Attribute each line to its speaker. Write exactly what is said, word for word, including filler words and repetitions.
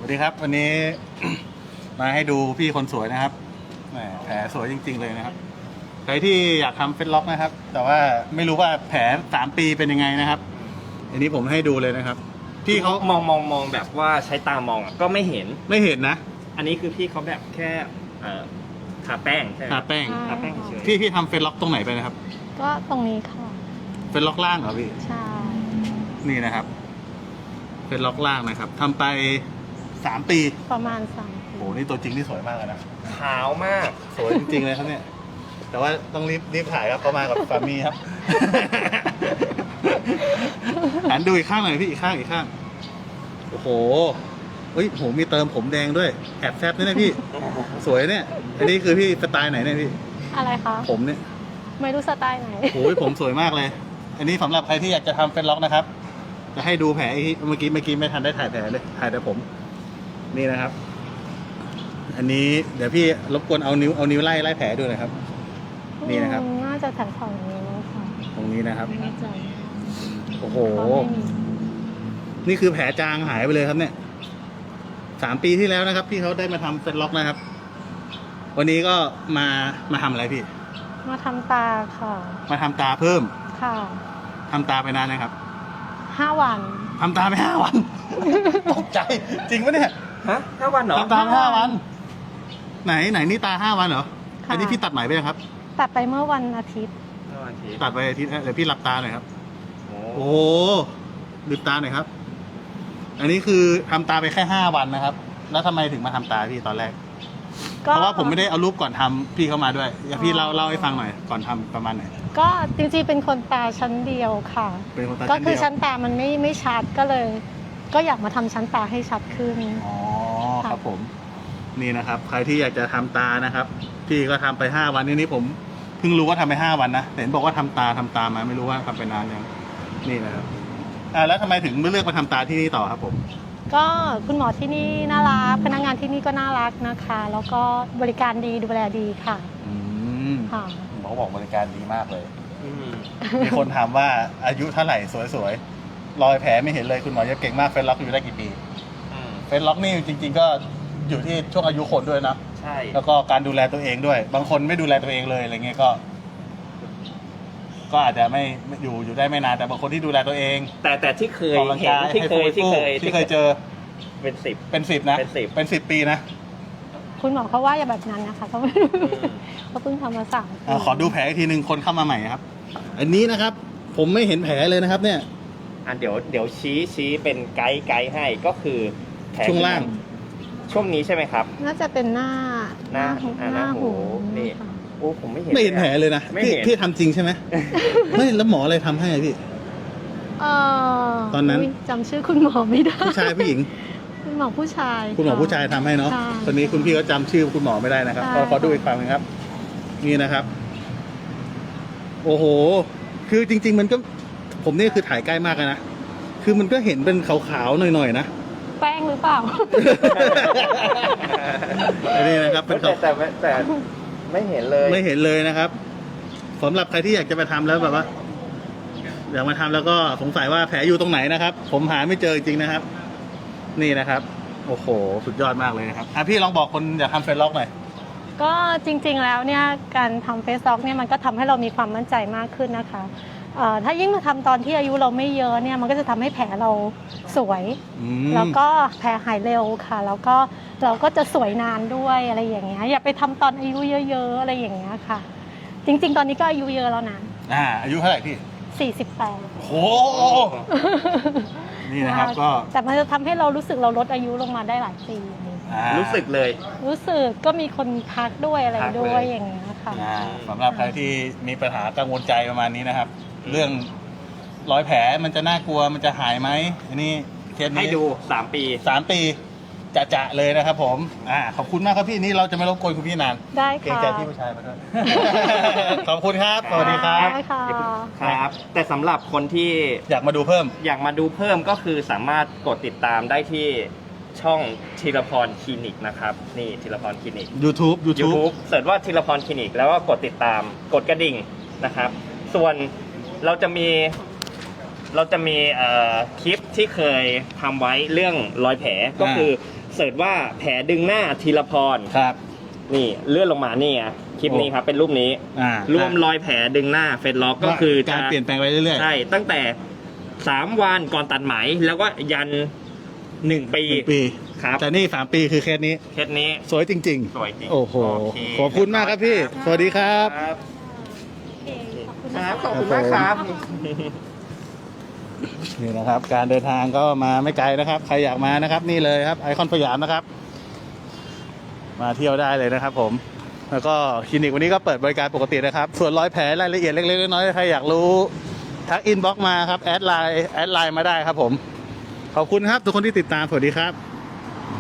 Speaker 1: วัสดีครับวันนี้ มาให้ดูพี่คนสวยนะครับแหมแผลสวยจริงๆเลยนะครับใครที่อยากทำเฟซล็อกนะครับแต่ว่าไม่รู้ว่าแผลสามปีเป็นยังไงนะครับอันนี้ผมให้ดูเลยนะครับพี่เขา
Speaker 2: มองมองมองแบบว่าใช้ตามองอะก็ไม่เห็น
Speaker 1: ไม่เห็นนะ
Speaker 2: อันนี้คือพี่เขาแบบแค่เอ่อทาแป้งใช่ไหม
Speaker 1: ทาแป้ง
Speaker 2: ทาแป้งเฉย
Speaker 1: พี่พี่ทำเฟซล็อกตรงไหนไปนะครับ
Speaker 3: ก็ตรงนี้ค่ะ
Speaker 1: เฟซล็อกล่างเหรอพี่
Speaker 3: ใช่
Speaker 1: นี่นะครับเฟซล็อกล่างนะครับทำไปสามปี
Speaker 3: ประมาณสาม
Speaker 1: โอ้โหนี่ตัวจริงที่สวยมากเลยนะ
Speaker 2: ขาวมาก
Speaker 1: สวยจริงๆเลยครับเนี่ย แต่ว่าต้องรีบรีบถ่ายครับเขามากับสามีครับ หันดูอีกข้างหน่อยพี่อีกข้างอีกข้าง โอ้โหเฮ้ยโหมีเติมผมแดงด้วย แอบแซบด้วยนะพี่ สวยเนี่ย อันนี้คือพี่สไตล์ไหนเนี่ยพี่
Speaker 3: อะไรคะ
Speaker 1: ผมเนี่ย
Speaker 3: ไม่รู้สไตล์ไหน
Speaker 1: โอ้ยผมสวยมากเลย อันนี้สำหรับใครที่อยากจะทำเฟซล็อกนะครับ จะให้ดูแผลอีกเมื่อกี้เมื่อกี้ไม่ทันได้ถ่ายแผลเลย ถ่ายแต่ผม นี่นะครับ อันนี้เดี๋ยวพี่รบกวนเอานิ้วเอานิ้วไล่ไล่แผลดูหน่อยครับ นี่นะครับ
Speaker 3: อืมน่าจะแถวฝั่งนี้แล้วค่ะ
Speaker 1: ตรงนี้นะครับ
Speaker 3: ไม่แน่ใจ
Speaker 1: โอ้โห
Speaker 3: เพราะไม่มี
Speaker 1: นี่คือแผลจางหายไปเลยครับเนี่ย สามปีที่แล้วนะครับพี่เขาได้มาทำเฟซล็อกนะครับ วันนี้ก็มามาทำอะไรพี่
Speaker 3: มาทำตาค่ะ
Speaker 1: มาทำตาเพิ่ม
Speaker 3: ค่ะ
Speaker 1: ทำตาไปนานนะครับ
Speaker 3: ห้าวัน
Speaker 1: ทำตาไปห้าวัน ตกใจจริงปะเนี่ย
Speaker 2: ฮะห้าวันเหรอ
Speaker 1: ทำตาไปห้าวัน ไหนไหนนี่ตาห้าวันเหรอ
Speaker 3: ค่ะ
Speaker 1: อันนี้พี่ตัดไหมไปยังครับ
Speaker 3: ตัดไปเมื่อวันอาทิตย์
Speaker 2: ห้าวันที
Speaker 1: ตัดไปอาทิตย์เดี๋ยวพี่หลับตาหน่อยครับ
Speaker 2: โอ้
Speaker 1: โอ้โหลืมตาหน่อยครับ อันนี้คือทำตาไปแค่ห้าวันนะครับ แล้วทำไมถึงมาทำตาพี่ตอนแรก
Speaker 3: ก็
Speaker 1: เพราะว่าผมไม่ได้เอารูปก่อนทำพี่เข้ามาด้วยอยากพี่เล่าเล่าให้ฟังหน่อยก่อนทำประมาณไหน
Speaker 3: ก็จริงๆเป็นคนตาชั้นเดียวค่ะ
Speaker 1: เป็นคนตา
Speaker 3: ก็
Speaker 1: ชั้น
Speaker 3: คือ
Speaker 1: เดียว
Speaker 3: ชั้นตามันไม่ไม่ชัดก็เลย ก็อยากมาทำชั้นตาให้ชัดขึ้น
Speaker 1: อ๋อครับผม นี่นะครับ ใครที่อยากจะทำตานะครับ พี่ก็ทำไปห้าวันนี้นี่ผมเพิ่งรู้ว่าทำไปห้าวันนะแต่เห็นบอกว่าทำตาทำตามาไม่รู้ว่าทำไปนานยังนี่นะครับอ่าแล้วทำไมถึงไม่เลือกมาทำตาที่นี่ต่อครับผม
Speaker 3: ก็คุณหมอที่นี่น่ารักพนักงานที่นี่ก็น่ารักนะคะ แล้วก็บริการดีดูแลดีค่ะ
Speaker 1: อืม
Speaker 3: ค่ะ
Speaker 1: หมอบอกบริการดีมากเลย
Speaker 2: อืม
Speaker 1: มีคนถามว่าอายุเท่าไหร่สวยๆรอยแผลไม่เห็นเลยคุณหมอจะเก่งมากเฟซล็อกอยู่ได้กี่ปี
Speaker 2: อืม
Speaker 1: เฟซล็อกนี่จริง ๆ ก็อยู่ที่ช่วงอายุคนด้วยนะ
Speaker 2: ใช่
Speaker 1: แล้วก็การดูแลตัวเองด้วย บางคนไม่ดูแลตัวเองเลยอะไรเงี้ยก็ ก็อาจจะไม่ไม่อยู่อยู่ได้ไม่นานแต่บางคนที่ดูแลตัวเอง
Speaker 2: แต่แต่ที่เคย
Speaker 1: ออกกำลัง
Speaker 2: เห็น
Speaker 1: กาย
Speaker 2: ที่เคย
Speaker 1: ให้
Speaker 2: ที่
Speaker 1: ฟู
Speaker 2: เคย
Speaker 1: ที่เคยเจอ
Speaker 2: เป็นสิบ
Speaker 1: เป็นสิบนะ
Speaker 2: เป็นสิบ
Speaker 1: เป็นสิบปีนะ
Speaker 3: คุณหมอเขาว่าอย่าแบบนั้นนะคะเขาเขาเพิ่งทำมาสามปี
Speaker 1: อ่าขอดูแผลอีกทีหนึ่งคนเข้ามาใหม่ครับ อันนี้นะครับ ผมไม่เห็นแผลเลยนะครับ เนี่ย
Speaker 2: อ่ะเดี๋ยวเดี๋ยวชี้ชี้เป็นไกด์ไกด์ให้ก็คือแผล
Speaker 1: ช่วงล่าง
Speaker 2: ช่วงนี้ใช่ไหมครับ
Speaker 3: น่าจะเป็นหน้า
Speaker 2: หน้าอ่าหน้าหูนี่
Speaker 3: ค่ะ
Speaker 2: โอ้ผมไม่เห็น
Speaker 1: ไม่เห็นแผลเลยนะ
Speaker 2: ไม่
Speaker 1: พี่
Speaker 2: เห็น
Speaker 1: พี่ทำจริงใช่ไหม ไม่แล้วหมออะไรทำให้อะพี่
Speaker 3: เออ
Speaker 1: ตอนนั้น
Speaker 3: ยจำชื่อคุณหมอไม่ได้
Speaker 1: ผู้ชายผู้หญิง
Speaker 3: คุณหมอผู้ชาย
Speaker 1: คุณหมอผู้ชายทำให้เนาะ
Speaker 3: ใช่
Speaker 1: คนนี้คุณพี่ก็จำชื่อคุณหมอไม่ได้นะครับ
Speaker 3: ใช่
Speaker 1: ขอขอดูอีกฝั่งหนึงครับ นี่นะครับ โอ้โห คือจริง ๆ มันก็ ผมนี่คือถ่ายใกล้มากเลยนะ คือมันก็เห็นเป็นขาวๆหน่อยๆนะ
Speaker 3: แป้งหรือเปล่า
Speaker 1: อันนี้นะครับ เป็น
Speaker 2: แต่
Speaker 1: ขาว
Speaker 2: แต่แต่แต่ไม่เห็นเลย
Speaker 1: ไม่เห็นเลยนะครับสำหรับใครที่อยากจะไปทำแล้วแบบว่า อยากมาทำแล้วก็สงสัยว่าแผลอยู่ตรงไหนนะครับ ผมหาไม่เจอจริงๆนะครับ นี่นะครับ โอ้โห สุดยอดมากเลยนะครับอ่ะพี่ลองบอกคนอยากทำเฟซล็อกหน่อย
Speaker 3: ก็จริงๆแล้วเนี่ยการทำเฟซล็อกเนี่ยมันก็ทำให้เรามีความมั่นใจมากขึ้นนะคะเอ่อถ้ายิ่งมาทำตอนที่อายุเราไม่เยอะเนี่ยมันก็จะทำให้แผลเราสวย
Speaker 1: อืม
Speaker 3: แล้วก็แผลหายเร็วค่ะ แล้วก็เราก็จะสวยนานด้วยอะไรอย่างเงี้ยอย่าไปทำตอนอายุเยอะๆอะไรอย่างเงี้ยค่ะ จริงๆ ตอนนี้ก็อายุเยอะแล้วนะ
Speaker 1: อ่า อายุเท่าไหร่พี่
Speaker 3: สี่สิบแปด
Speaker 1: โอ้โห นี่นะครับก็
Speaker 3: แต่มันจะทำให้เรารู้สึกเราลดอายุลงมาได้หลายปี
Speaker 1: อ่า
Speaker 2: รู้สึกเลย
Speaker 3: รู้สึกก็มีคนทักด้วยอะไร
Speaker 2: ทักเลย
Speaker 3: ด้วยอย่างเงี้ยค่ะ
Speaker 1: อ่าสำหรับใครที่มีปัญหากังวลใจประมาณนี้นะครับ เรื่องรอยแผลมันจะน่ากลัวมันจะหายไหมอันนี้เคสนี้
Speaker 2: ให้ดูสามปี
Speaker 1: สามปีจะจะๆเลยนะครับ ผมอ่าขอบคุณมากครับพี่นี่เราจะไม่รบกวนคุณพี่นาน
Speaker 3: ได้
Speaker 1: เกรง
Speaker 3: ค่ะ
Speaker 1: ใจพี่ผู้ชายมาด้วย ขอบคุณครับสวัสดีครับ
Speaker 3: ได้ค่ะ
Speaker 2: ครับ แต่สำหรับคนที่
Speaker 1: อยากมาดูเพิ่ม
Speaker 2: อยากมาดูเพิ่มก็คือสามารถกดติดตามได้ที่ช่องธีรพรคลินิกนะครับ นี่ธีรพรคลินิก
Speaker 1: YouTube YouTube
Speaker 2: YouTube เสิร์ชว่าธีรพรคลินิกแล้วก็กดติดตามกดกระดิ่งนะครับ ส่วนเราจะมีเราจะมีเอ่อคลิปที่เคยทำไว้เรื่องรอยแผลก็คือเสิร์ชว่าแผลดึงหน้าธีรพร
Speaker 1: ครับ
Speaker 2: นี่เลื่อนลงมานี่ไงคลิปนี้ครับเป็นรูปนี้
Speaker 1: อ่าร
Speaker 2: วมรอยแผลดึงหน้าเฟซล็อกก็คือ
Speaker 1: การเปลี่ยนแปลงไปเรื่อยๆ
Speaker 2: ใช่ตั้งแต่สามวันก่อนตัดไหมแล้วก็ยันหนึ่งปี
Speaker 1: หนึ่งปี
Speaker 2: ครับ
Speaker 1: แต่นี่สามปีคือเคสนี้
Speaker 2: เคสนี้
Speaker 1: สวยจริง
Speaker 2: สวยจริง
Speaker 1: ๆ โอ้โห
Speaker 2: โอเค
Speaker 1: ขอบคุณมากครับพี่ สวัสดีครับ
Speaker 2: ครับ
Speaker 3: โอเคขอบคุณ
Speaker 2: ค
Speaker 3: นะ
Speaker 2: รับ
Speaker 3: คะ
Speaker 2: ขอบคุณมากครับ
Speaker 1: นี่นะครับ การเดินทางก็มาไม่ไกลนะครับ ใครอยากมานะครับ นี่เลยครับไอคอนสยามนะครับ มาเที่ยวได้เลยนะครับผม แล้วก็คลินิกวันนี้ก็เปิดบริการปกตินะครับ ส่วนรอยแผลรายละเอียดเล็กๆน้อยๆใครอยากรู้ทักอินบ็อกมาครับแอดไลน์แอดไลน์มาได้ครับผม ขอบคุณครับทุกคนที่ติดตามสวัสดีครับ